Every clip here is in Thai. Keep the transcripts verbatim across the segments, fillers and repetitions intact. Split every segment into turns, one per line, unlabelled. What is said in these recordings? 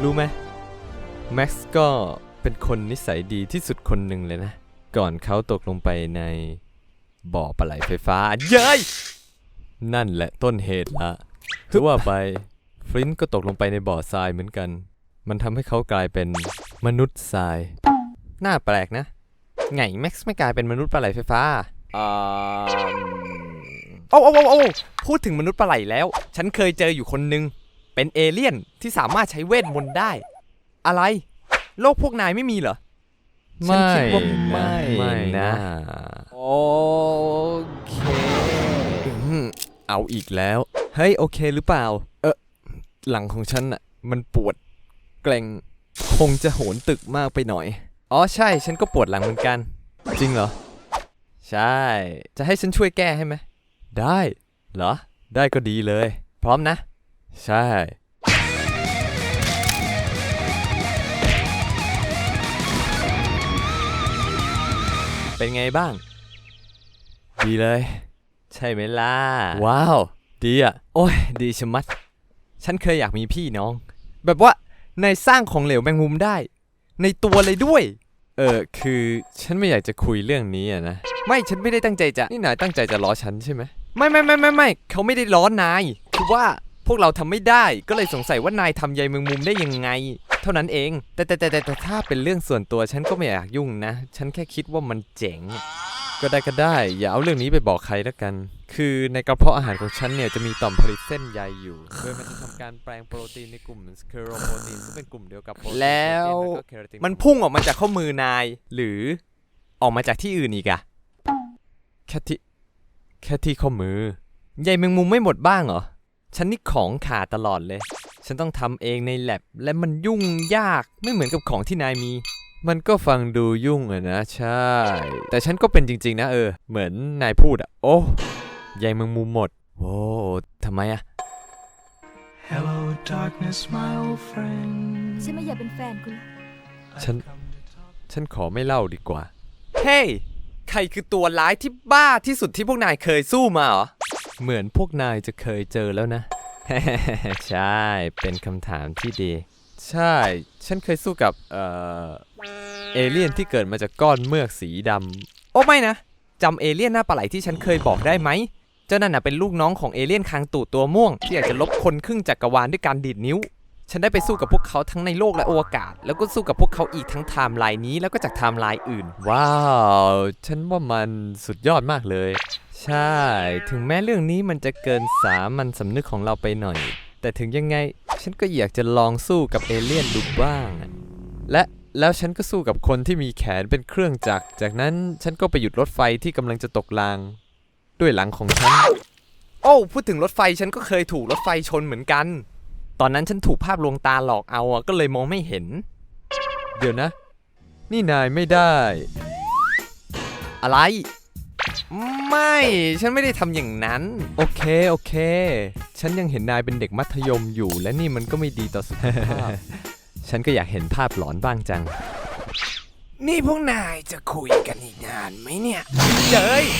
รู้ไหมแม็กซ์ก็เป็นคนนิสัยดีที่สุดคนหนึ่งเลยนะก่อนเขาตกลงไปในบ่อปลาไหลไฟฟ้าเย้ยนั่นแหละต้นเหตุละถือว่าไปฟลินต์ก็ตกลงไปในบ่อทรายเหมือนกันมันทำให้เขากลายเป็นมนุษย์ทรายน่าแปลกนะไงแม็กซ์ไม่กลายเป็นมนุษย์ปลาไหลไฟฟ้าอ่าโอ้โอ้โอ้โอ้พูดถึงมนุษย์ปลาไหลแล้วฉันเคยเจออยู่คนนึงเป็นเอเลี่ยนที่สามารถใช้เวทมนต์ได้อะไรโลกพวกนายไม่มีเหรอฉันคิดว่าไม่ไม่นะโอเคเอาอีกแล้วเฮ้ยโอเคหรือเปล่าเออหลังของฉันน่ะมันปวดเกร็งคงจะโหนตึกมากไปหน่อยอ๋อใช่ฉันก็ปวดหลังเหมือนกันจริงเหรอใช่จะให้ฉันช่วยแก้ให้ไหมได้เหรอได้ก็ดีเลยพร้อมนะใช่เป็นไงบ้างดีเลยใช่ไหมล่ะว้าวดีอ่ะโอ้ยดีชะมัดฉันเคยอยากมีพี่น้องแบบว่านายสร้างของเหลวแมงมุมได้ในตัวเลยด้วยเออคือฉันไม่อยากจะคุยเรื่องนี้อ่ะนะไม่ฉันไม่ได้ตั้งใจจะนี่นายตั้งใจจะล้อฉันใช่ไหมไม่ไม่ไม่ไม่ไม่เขาไม่ได้ล้อนายคือว่าพวกเราทำไม่ได้ก็เลยสงสัยว่านายทำใยแมงมุมได้ยังไงเท่านั้นเองแต่แต่แต่แต่ถ้าเป็นเรื่องส่วนตัวฉันก็ไม่อยากยุ่งนะฉันแค่คิดว่ามันเจ๋งก็ได้ก็ได้อย่าเอาเรื่องนี้ไปบอกใครแล้วกันคือในกระเพาะอาหารของฉันเนี่ยจะมีต่อมผลิตเส้นใยอยู่โดยมันจะทำการแปลงโปรตีนในกลุ่มสเคโรโปรตีนซึ่งเป็นกลุ่มเดียวกับแล้วมันพุ่งออกมาจากข้อมือนายหรือออกมาจากที่อื่นอีกอะแค่ที่แค่ที่ข้อมือใยแมงมุมไม่หมดบ้างเหรอฉันนี่ของขาดตลอดเลยฉันต้องทำเองในแลบและมันยุ่งยากไม่เหมือนกับของที่นายมีมันก็ฟังดูยุ่งอะนะใช่แต่ฉันก็เป็นจริงๆนะเออเหมือนนายพูดอะโอ้ใยแมงมุมหมดโอ้ทำไมอะ
Hello darkness my old friend
ฉันไม่อยากเป็นแฟนคุณ
ฉันฉันขอไม่เล่าดีกว่าเฮ้ย hey, ใครคือตัวร้ายที่บ้าที่สุดที่พวกนายเคยสู้มาเหรอเหมือนพวกนายจะเคยเจอแล้วนะ ใช่เป็นคำถามที่ดีใช่ฉันเคยสู้กับเอ่อเอเลี่ยนที่เกิดมาจากก้อนเมือกสีดำโอ้ไม่นะจำเอเลี่ยนหน้าปลาไหลที่ฉันเคยบอกได้ไหมเจ้านั่นน่ะเป็นลูกน้องของเอเลี่ยนคางตูดตัวม่วงที่อยากจะลบคนครึ่งจักรวาลด้วยการดีดนิ้วฉันได้ไปสู้กับพวกเขาทั้งในโลกและอวกาศแล้วก็สู้กับพวกเขาอีกทั้งไทม์ไลน์นี้แล้วก็จากไทม์ไลน์อื่นว้าวฉันว่ามันสุดยอดมากเลยใช่ถึงแม้เรื่องนี้มันจะเกินสามัญสำนึกของเราไปหน่อยแต่ถึงยังไงฉันก็อยากจะลองสู้กับเอเลี่ยนดูบ้างและแล้วฉันก็สู้กับคนที่มีแขนเป็นเครื่องจักรจากนั้นฉันก็ไปหยุดรถไฟที่กำลังจะตกรางด้วยหลังของฉันโอ้พูดถึงรถไฟฉันก็เคยถูกรถไฟชนเหมือนกันตอนนั้นฉันถูกภาพลวงตาหลอกเอาอะก็เลยมองไม่เห็นเดี๋ยวนะนี่นายไม่ได้อะไรไม่ฉันไม่ได้ทำอย่างนั้นโอเคโอเคฉันยังเห็นนายเป็นเด็กมัธยมอยู่และนี่มันก็ไม่ดีต่อสุขภาพ ฉันก็อยากเห็นภาพหลอนบ้างจังนี่พวกนายจะคุยกันอีกนานไหมเนี่ยเจ้ย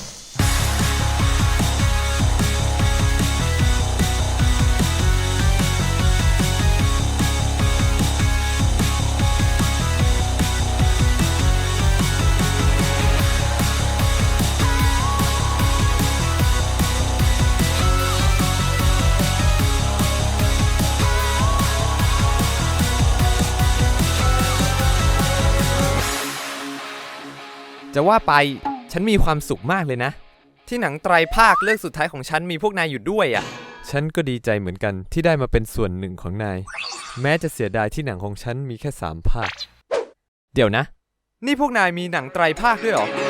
จะว่าไปฉันมีความสุขมากเลยนะที่หนังไตรภาคเรื่องสุดท้ายของฉันมีพวกนายอยู่ด้วยอ่ะฉันก็ดีใจเหมือนกันที่ได้มาเป็นส่วนหนึ่งของนายแม้จะเสียดายที่หนังของฉันมีแค่สามภาคเดี๋ยวนะนี่พวกนายมีหนังไตรภาคด้วยเหรอ